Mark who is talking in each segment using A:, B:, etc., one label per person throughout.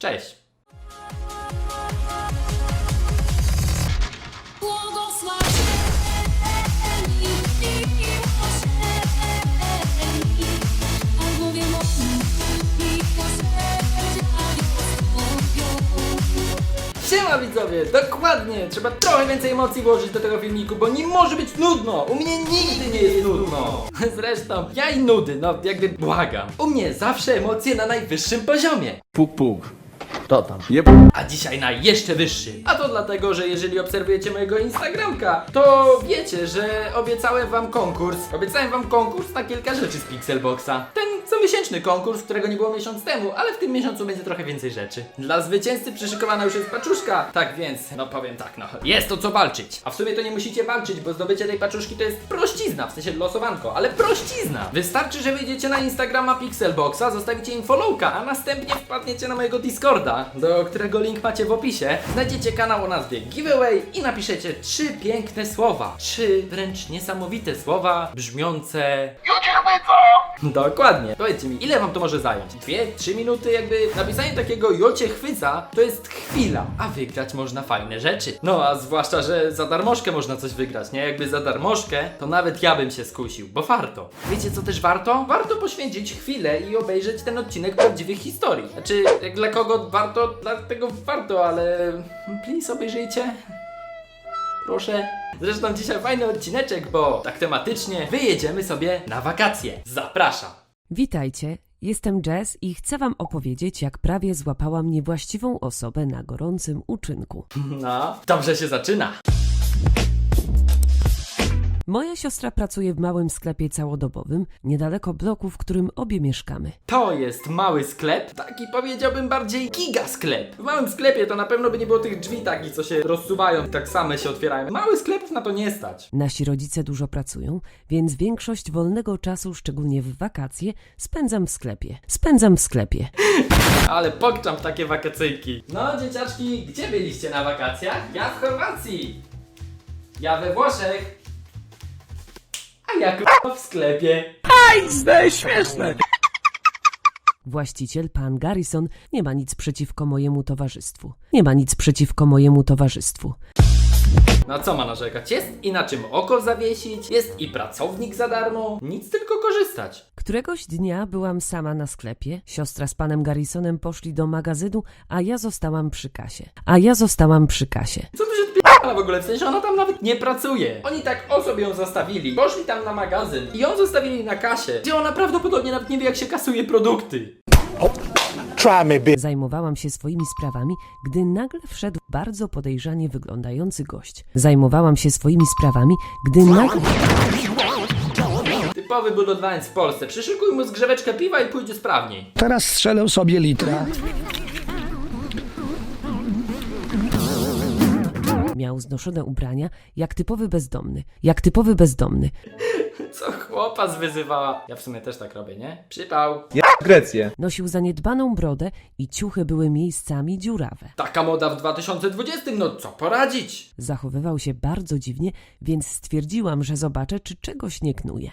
A: Cześć! Siema widzowie, dokładnie! Trzeba trochę więcej emocji włożyć do tego filmiku, bo nie może być nudno! U mnie nigdy nie jest nudno! Zresztą, ja i nudy, no jakby błagam. U mnie zawsze emocje na najwyższym poziomie.
B: Puk, puk.
A: To tam.
B: Jep.
A: A dzisiaj na jeszcze wyższy. A to dlatego, że jeżeli obserwujecie mojego Instagramka, to wiecie, że obiecałem wam konkurs. Obiecałem wam konkurs na kilka rzeczy z Pixelboxa. Ten comiesięczny konkurs, którego nie było miesiąc temu, ale w tym miesiącu będzie trochę więcej rzeczy. Dla zwycięzcy przyszykowana już jest paczuszka. Tak więc, no powiem tak, no. Jest o co walczyć. A w sumie to nie musicie walczyć, bo zdobycie tej paczuszki to jest prościzna, w sensie losowanko, ale prościzna. Wystarczy, że wyjdziecie na Instagrama Pixelboxa, zostawicie im followka, a następnie wpadniecie na mojego Discorda, do którego link macie w opisie. Znajdziecie kanał o nazwie Giveaway i napiszecie 3 piękne słowa. 3 wręcz niesamowite słowa, brzmiące... Ja cię chwycę! Dokładnie. Powiedzcie mi, ile wam to może zająć? 2-3 minuty? Jakby napisanie takiego "jo cię chwyca" to jest chwila, a wygrać można fajne rzeczy. No a zwłaszcza, że za darmożkę można coś wygrać, nie? Jakby za darmożkę, to nawet ja bym się skusił, bo warto. Wiecie co też warto? Warto poświęcić chwilę i obejrzeć ten odcinek prawdziwych historii. Znaczy, jak dla kogo warto, dlatego warto, ale please obejrzyjcie. Proszę. Zresztą dzisiaj fajny odcineczek, bo tak tematycznie wyjedziemy sobie na wakacje. Zapraszam.
C: Witajcie, jestem Jess i chcę wam opowiedzieć, jak prawie złapałam niewłaściwą osobę na gorącym uczynku.
A: No, dobrze się zaczyna.
C: Moja siostra pracuje w małym sklepie całodobowym, niedaleko bloku, w którym obie mieszkamy.
A: To jest mały sklep, taki powiedziałbym bardziej gigasklep. W małym sklepie to na pewno by nie było tych drzwi takich, co się rozsuwają, tak same się otwierają. Mały sklepów na to nie stać.
C: Nasi rodzice dużo pracują, więc większość wolnego czasu, szczególnie w wakacje, spędzam w sklepie.
A: Ale pokczam w takie wakacyjki. No dzieciaczki, gdzie byliście na wakacjach? Ja w Chorwacji. Ja we Włoszech. A ja w sklepie.
B: Śmieszne.
C: Właściciel, pan Garrison, nie ma nic przeciwko mojemu towarzystwu.
A: No co ma narzekać? Jest i na czym oko zawiesić, jest i pracownik za darmo, nic tylko korzystać.
C: Któregoś dnia byłam sama na sklepie, siostra z panem Garrisonem poszli do magazynu, a ja zostałam przy kasie.
A: Co tu się odpierdala w ogóle? W sensie ona tam nawet nie pracuje. Oni tak o sobie ją zostawili, poszli tam na magazyn i ją zostawili na kasie, gdzie ona prawdopodobnie nawet nie wie, jak się kasuje produkty.
C: Zajmowałam się swoimi sprawami, gdy nagle wszedł bardzo podejrzanie wyglądający gość.
A: Typowy budowlaniec w Polsce. Przyszykuj mu zgrzeweczkę piwa i pójdzie sprawniej.
B: Teraz strzelę sobie litra.
C: Miał znoszone ubrania, jak typowy bezdomny.
A: Co chłopa zwyzywała. Ja w sumie też tak robię, nie? Przypał.
B: Grecję.
C: Nosił zaniedbaną brodę i ciuchy były miejscami dziurawe.
A: Taka moda w 2020, no co poradzić?
C: Zachowywał się bardzo dziwnie, więc stwierdziłam, że zobaczę, czy czegoś nie knuje.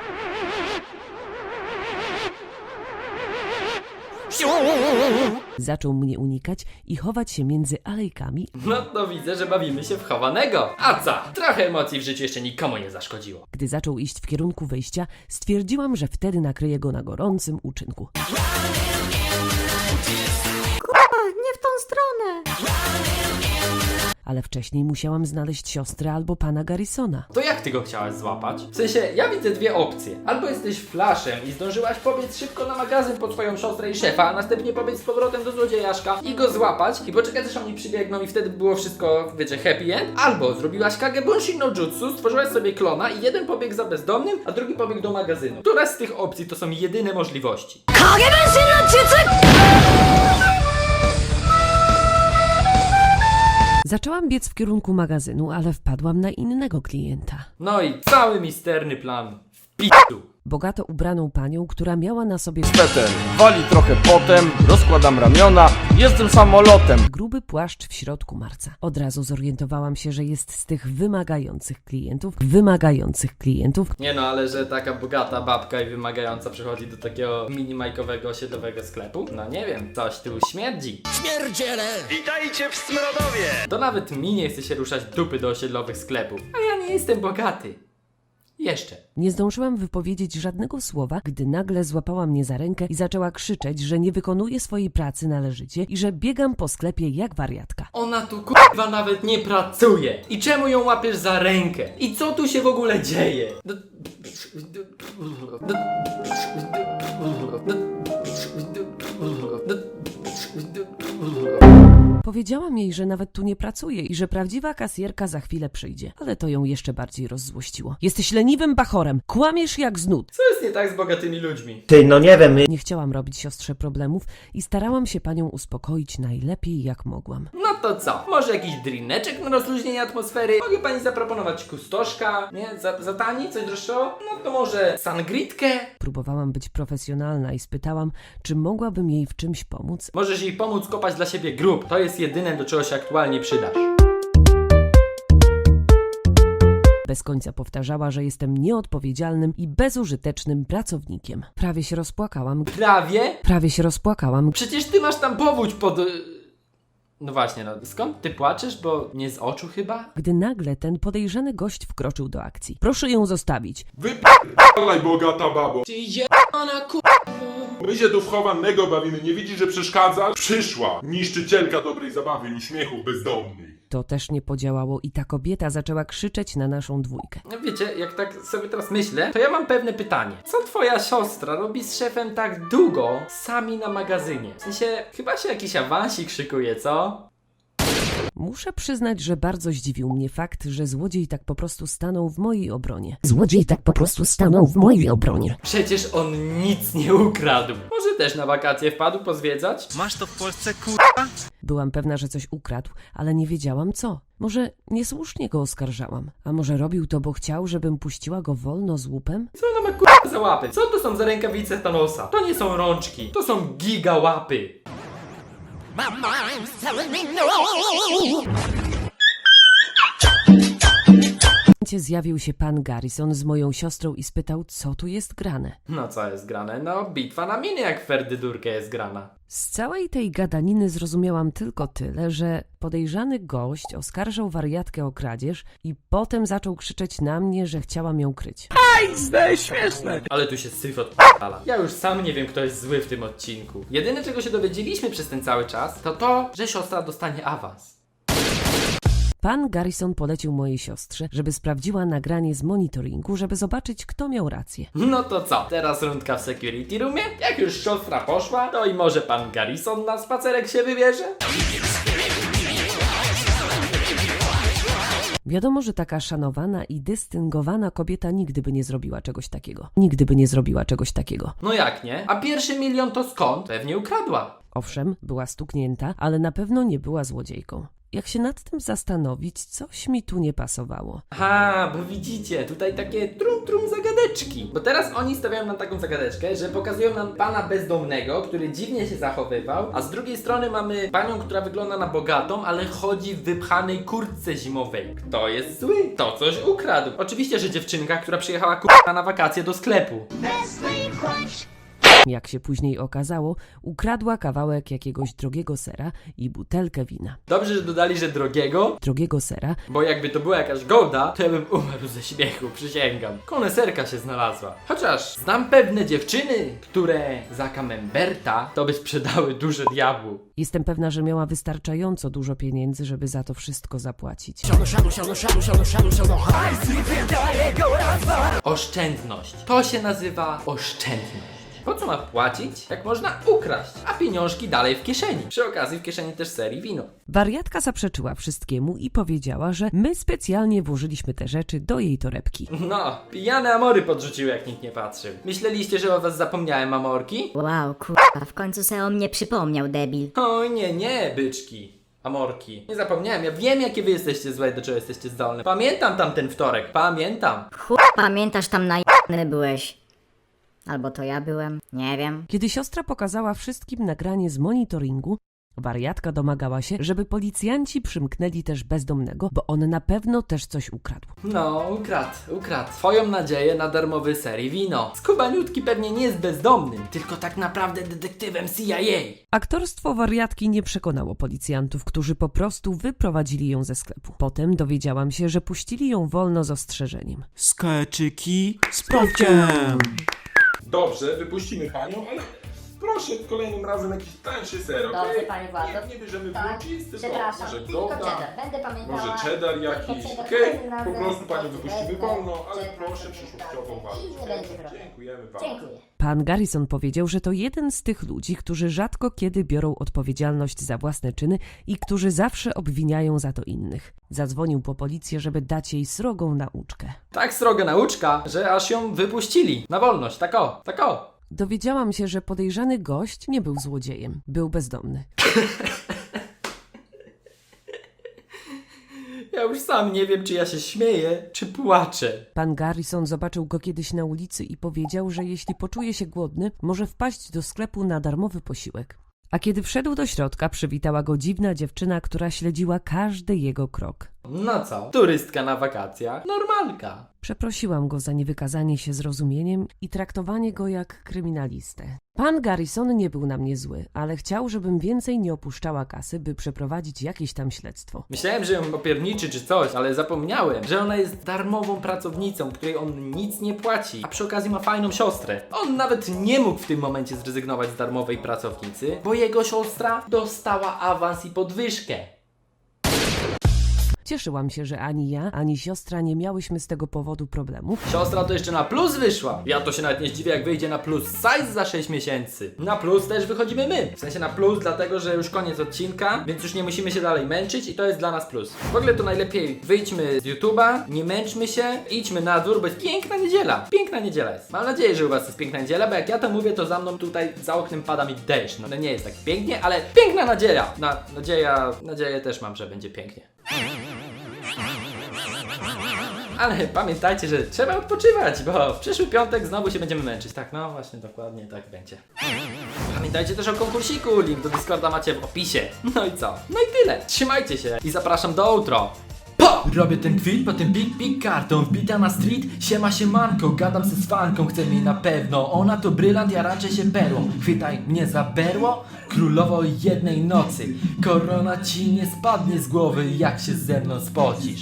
C: Zaczął mnie unikać i chować się między alejkami.
A: No to widzę, że bawimy się w chowanego. A co? Trochę emocji w życiu jeszcze nikomu nie zaszkodziło.
C: Gdy zaczął iść w kierunku wyjścia, stwierdziłam, że wtedy nakryję go na gorącym uczynku.
D: Nie w tą stronę!
C: Ale wcześniej musiałam znaleźć siostrę albo pana Garrisona.
A: To jak ty go chciałaś złapać? W sensie, ja widzę dwie opcje. Albo jesteś flaszem i zdążyłaś pobiec szybko na magazyn po twoją siostrę i szefa, a następnie pobiec z powrotem do złodziejaszka i go złapać i poczekać, aż oni przybiegną i wtedy było wszystko, wiecie, happy end. Albo zrobiłaś Kage Bunshin no Jutsu, stworzyłaś sobie klona i jeden pobiegł za bezdomnym, a drugi pobiegł do magazynu. Która z tych opcji to są jedyne możliwości?
C: Zaczęłam biec w kierunku magazynu, ale wpadłam na innego klienta.
A: No i cały misterny plan w p***u.
C: bogato ubraną panią, która miała na sobie
B: Peter, wali trochę potem, rozkładam ramiona, jestem samolotem.
C: gruby płaszcz w środku marca. Od razu zorientowałam się, że jest z tych wymagających klientów.
A: Nie no, ale że taka bogata babka i wymagająca przychodzi do takiego minimajkowego osiedlowego sklepu? No nie wiem, coś tu śmierdzi.
B: Witajcie w Smrodowie!
A: To nawet mi nie chce się ruszać dupy do osiedlowych sklepów. A ja nie jestem bogaty. Jeszcze.
C: Nie zdążyłam wypowiedzieć żadnego słowa, gdy nagle złapała mnie za rękę i zaczęła krzyczeć, że nie wykonuję swojej pracy należycie i że biegam po sklepie jak wariatka.
A: Ona tu kurwa nawet nie pracuje. I czemu ją łapiesz za rękę? I co tu się w ogóle dzieje?
C: Powiedziałam jej, że nawet tu nie pracuje i że prawdziwa kasjerka za chwilę przyjdzie, ale to ją jeszcze bardziej rozzłościło. Jesteś leniwym bachorem, kłamiesz jak z nut.
A: Co jest nie tak z bogatymi ludźmi?
E: Ty, no nie wiem,
C: Nie chciałam robić siostrze problemów i starałam się panią uspokoić najlepiej jak mogłam.
A: No to co? Może jakiś drineczek na rozluźnienie atmosfery? Mogę pani zaproponować kustoszka? Nie? Za tani? Coś droższego? No to może sangritkę?
C: Próbowałam być profesjonalna i spytałam, czy mogłabym jej w czymś pomóc.
A: Możesz jej pomóc kopać dla siebie grób. To jest jedyne, do czego się aktualnie przydasz.
C: Bez końca powtarzała, że jestem nieodpowiedzialnym i bezużytecznym pracownikiem. Prawie się rozpłakałam.
A: Przecież ty masz tam powódź pod... No właśnie, no skąd ty płaczesz? Bo nie z oczu chyba?
C: Gdy nagle ten podejrzany gość wkroczył do akcji. Proszę ją zostawić.
F: Wyp***laj, bogata babo. Ty My się tu w chowanego bawimy, nie widzisz, że przeszkadza? Przyszła niszczycielka dobrej zabawy i uśmiechów bezdomnych.
C: To też nie podziałało i ta kobieta zaczęła krzyczeć na naszą dwójkę.
A: No wiecie, jak tak sobie teraz myślę, to ja mam pewne pytanie. Co twoja siostra robi z szefem tak długo sami na magazynie? W sensie, chyba się jakiś awansik szykuje, co?
C: Muszę przyznać, że bardzo zdziwił mnie fakt, że złodziej tak po prostu stanął w mojej obronie.
A: Przecież on nic nie ukradł. Może też na wakacje wpadł pozwiedzać?
B: Masz to w Polsce, kurwa?
C: Byłam pewna, że coś ukradł, ale nie wiedziałam co. Może niesłusznie go oskarżałam, a może robił to, bo chciał, żebym puściła go wolno z łupem?
A: Co ona ma k***a za łapy? Co to są za rękawice Thanosa? To nie są rączki, to są giga łapy.
C: Zjawił się pan Garrison z moją siostrą i spytał, co tu jest grane.
A: No co jest grane? No bitwa na miny jak Ferdydurkę jest grana.
C: Z całej tej gadaniny zrozumiałam tylko tyle, że podejrzany gość oskarżał wariatkę o kradzież i potem zaczął krzyczeć na mnie, że chciałam ją kryć.
B: Śmieszne!
A: Ale tu się syf odpala. Ja już sam nie wiem, kto jest zły w tym odcinku. Jedyne, czego się dowiedzieliśmy przez ten cały czas, to, że siostra dostanie awans.
C: Pan Garrison polecił mojej siostrze, żeby sprawdziła nagranie z monitoringu, żeby zobaczyć, kto miał rację.
A: No to co? Teraz rundka w security roomie? Jak już siostra poszła, to i może pan Garrison na spacerek się wybierze?
C: Wiadomo, że taka szanowana i dystyngowana kobieta nigdy by nie zrobiła czegoś takiego.
A: No jak nie? A pierwszy milion to skąd? Pewnie ukradła.
C: Owszem, była stuknięta, ale na pewno nie była złodziejką. Jak się nad tym zastanowić, coś mi tu nie pasowało.
A: Aha, bo widzicie, tutaj takie trum zagadeczki. Bo teraz oni stawiają nam taką zagadeczkę, że pokazują nam pana bezdomnego, który dziwnie się zachowywał, a z drugiej strony mamy panią, która wygląda na bogatą, ale chodzi w wypchanej kurtce zimowej. Kto jest zły? To coś ukradł. Oczywiście, że dziewczynka, która przyjechała k***a na wakacje do sklepu.
C: Jak się później okazało, ukradła kawałek jakiegoś drogiego sera i butelkę wina.
A: Dobrze, że dodali, że drogiego
C: sera,
A: bo jakby to była jakaś golda, to ja bym umarł ze śmiechu, przysięgam. Koneserka się znalazła. Chociaż znam pewne dziewczyny, które za camemberta to by sprzedały duże diabłu.
C: Jestem pewna, że miała wystarczająco dużo pieniędzy, żeby za to wszystko zapłacić.
A: Oszczędność. To się nazywa oszczędność. Po co ma płacić, jak można ukraść, a pieniążki dalej w kieszeni? Przy okazji w kieszeni też ser i wino.
C: Wariatka zaprzeczyła wszystkiemu i powiedziała, że my specjalnie włożyliśmy te rzeczy do jej torebki.
A: No, pijane amory podrzuciły, jak nikt nie patrzył. Myśleliście, że o was zapomniałem, amorki?
D: Wow, kurwa, w końcu se o mnie przypomniał, debil.
A: Oj, nie, byczki. Amorki. Nie zapomniałem, ja wiem, jakie wy jesteście złe, do czego jesteście zdolne. Pamiętam tamten wtorek, pamiętam.
D: Pamiętasz, tam najebany byłeś. Albo to ja byłem, nie wiem.
C: Kiedy siostra pokazała wszystkim nagranie z monitoringu, wariatka domagała się, żeby policjanci przymknęli też bezdomnego, bo on na pewno też coś ukradł.
A: No, ukradł. Twoją nadzieję na darmowy serii wino. Skubaniutki pewnie nie jest bezdomnym, tylko tak naprawdę detektywem CIA.
C: Aktorstwo wariatki nie przekonało policjantów, którzy po prostu wyprowadzili ją ze sklepu. Potem dowiedziałam się, że puścili ją wolno z ostrzeżeniem.
E: Skeczyki z Pawkiem.
F: Dobrze, wypuścimy panią, ale proszę kolejnym razem jakiś tańszy ser, okej?
D: Dobrze, panie Władzo.
F: Nie bierzemy
D: Tak,
F: blucis, tylko
D: przepraszam,
F: może
D: tylko
F: Gouda,
D: cheddar. Będę pamiętała.
F: może cheddar jakiś,
D: Tylko
F: okej?
D: cheddar
F: Po
D: razem,
F: prostu panią
D: cheddar
F: wypuścimy
D: wezmę,
F: wolno, ale
D: cheddar
F: proszę
D: sobie
F: przyszłościową
D: wezmę.
F: walkę.
D: I nie będzie problemu.
F: Dziękujemy bardzo.
D: Dziękuję.
C: Pan Garrison powiedział, że to jeden z tych ludzi, którzy rzadko kiedy biorą odpowiedzialność za własne czyny i którzy zawsze obwiniają za to innych. Zadzwonił po policję, żeby dać jej srogą nauczkę.
A: Tak sroga nauczka, że aż ją wypuścili na wolność, tak o.
C: Dowiedziałam się, że podejrzany gość nie był złodziejem, był bezdomny.
A: Ja już sam nie wiem, czy ja się śmieję, czy płaczę.
C: Pan Garrison zobaczył go kiedyś na ulicy i powiedział, że jeśli poczuje się głodny, może wpaść do sklepu na darmowy posiłek. A kiedy wszedł do środka, przywitała go dziwna dziewczyna, która śledziła każdy jego krok.
A: No co? Turystka na wakacjach? Normalka.
C: Przeprosiłam go za niewykazanie się zrozumieniem i traktowanie go jak kryminalistę. Pan Garrison nie był na mnie zły, ale chciał, żebym więcej nie opuszczała kasy, by przeprowadzić jakieś tam śledztwo.
A: Myślałem, że ją opierniczy czy coś, ale zapomniałem, że ona jest darmową pracownicą, której on nic nie płaci, a przy okazji ma fajną siostrę. On nawet nie mógł w tym momencie zrezygnować z darmowej pracownicy, bo jego siostra dostała awans i podwyżkę.
C: Cieszyłam się, że ani ja, ani siostra nie miałyśmy z tego powodu problemów,
A: Siostra to jeszcze na plus wyszła. Ja to się nawet nie zdziwię, jak wyjdzie na plus size za 6 miesięcy. Na plus też wychodzimy my. W sensie na plus, dlatego że już koniec odcinka, więc już nie musimy się dalej męczyć i to jest dla nas plus. W ogóle to najlepiej wyjdźmy z YouTube'a, nie męczmy się, idźmy na dwór, bo jest piękna niedziela. Piękna niedziela jest. Mam nadzieję, że u was jest piękna niedziela, bo jak ja to mówię, to za mną tutaj za oknem pada mi deszcz. No nie jest tak pięknie, ale piękna nadzieja. Nadzieję też mam, że będzie pięknie. Ale pamiętajcie, że trzeba odpoczywać, bo w przyszły piątek znowu się będziemy męczyć. Tak, no właśnie, dokładnie tak będzie. Pamiętajcie też o konkursiku, link do Discorda macie w opisie. No i co? No i tyle. Trzymajcie się i zapraszam do outro. Robię ten kwit, potem pik kartą wbita na street, siemanko, gadam ze z fanką, chcę mi na pewno, ona to brylant, ja raczej się perłą, chwytaj mnie za berło, królowo jednej nocy, korona ci nie spadnie z głowy, jak się ze mną spocisz.